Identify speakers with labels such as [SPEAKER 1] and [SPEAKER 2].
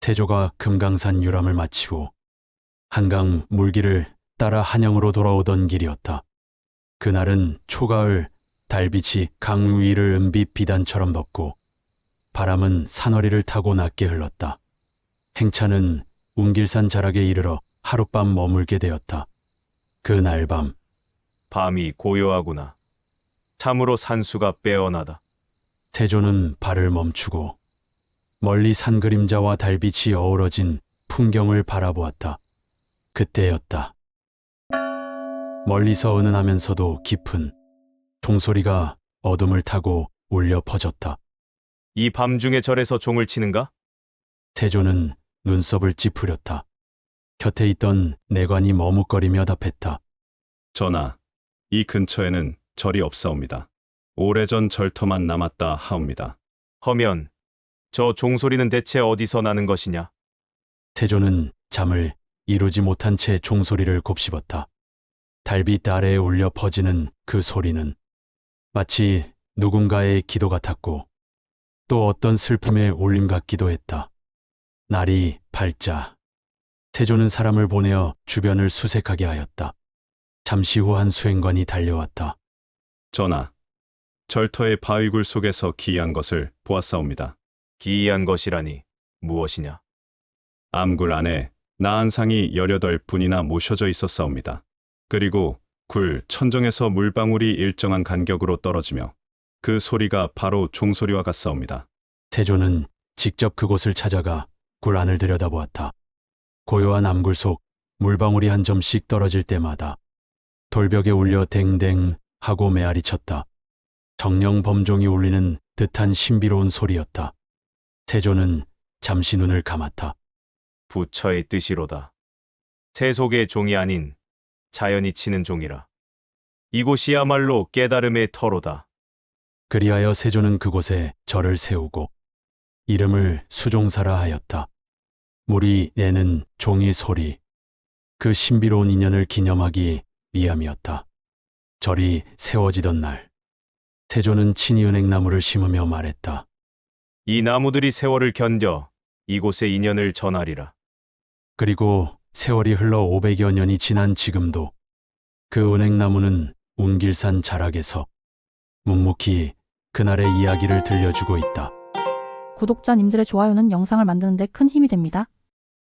[SPEAKER 1] 태조가 금강산 유람을 마치고 한강 물길을 따라 한양으로 돌아오던 길이었다. 그날은 초가을, 달빛이 강 위를 은빛 비단처럼 덮고 바람은 산허리를 타고 낮게 흘렀다. 행차는 운길산 자락에 이르러 하룻밤 머물게 되었다. 그날 밤
[SPEAKER 2] 밤이 고요하구나. 참으로 산수가 빼어나다.
[SPEAKER 1] 태조는 발을 멈추고 멀리 산 그림자와 달빛이 어우러진 풍경을 바라보았다. 그때였다. 멀리서 은은하면서도 깊은 종소리가 어둠을 타고 울려 퍼졌다.
[SPEAKER 2] 이 밤중에 절에서 종을 치는가?
[SPEAKER 1] 태조는 눈썹을 찌푸렸다. 곁에 있던 내관이 머뭇거리며 답했다.
[SPEAKER 3] 전하, 이 근처에는 절이 없사옵니다. 오래전 절터만 남았다 하옵니다.
[SPEAKER 2] 허면 저 종소리는 대체 어디서 나는 것이냐?
[SPEAKER 1] 태조는 잠을 이루지 못한 채 종소리를 곱씹었다. 달빛 아래에 울려 퍼지는 그 소리는 마치 누군가의 기도 같았고 또 어떤 슬픔의 울림 같기도 했다. 날이 밝자 태조는 사람을 보내어 주변을 수색하게 하였다. 잠시 후 한 수행관이 달려왔다.
[SPEAKER 3] 전하, 절터의 바위굴 속에서 기이한 것을 보았사옵니다.
[SPEAKER 2] 기이한 것이라니 무엇이냐?
[SPEAKER 3] 암굴 안에 나한상이 18분이나 모셔져 있었사옵니다. 그리고 굴 천정에서 물방울이 일정한 간격으로 떨어지며 그 소리가 바로 종소리와 같사옵니다.
[SPEAKER 1] 태조는 직접 그곳을 찾아가 굴 안을 들여다보았다. 고요한 암굴 속 물방울이 한 점씩 떨어질 때마다 돌벽에 울려 댕댕 하고 메아리 쳤다. 정령 범종이 울리는 듯한 신비로운 소리였다. 태조는 잠시 눈을 감았다.
[SPEAKER 2] 부처의 뜻이로다. 세속의 종이 아닌 자연이 치는 종이라. 이곳이야말로 깨달음의 터로다.
[SPEAKER 1] 그리하여 세조는 그곳에 절을 세우고 이름을 수종사라 하였다. 물이 내는 종이 소리, 그 신비로운 인연을 기념하기 위함이었다. 절이 세워지던 날, 세조는 친히 은행나무를 심으며 말했다.
[SPEAKER 2] 이 나무들이 세월을 견뎌 이곳의 인연을 전하리라.
[SPEAKER 1] 그리고 세월이 흘러 500여 년이 지난 지금도 그 은행나무는 운길산 자락에서 묵묵히 그날의 이야기를 들려주고 있다.
[SPEAKER 4] 구독자님들의 좋아요는 영상을 만드는 데 큰 힘이 됩니다.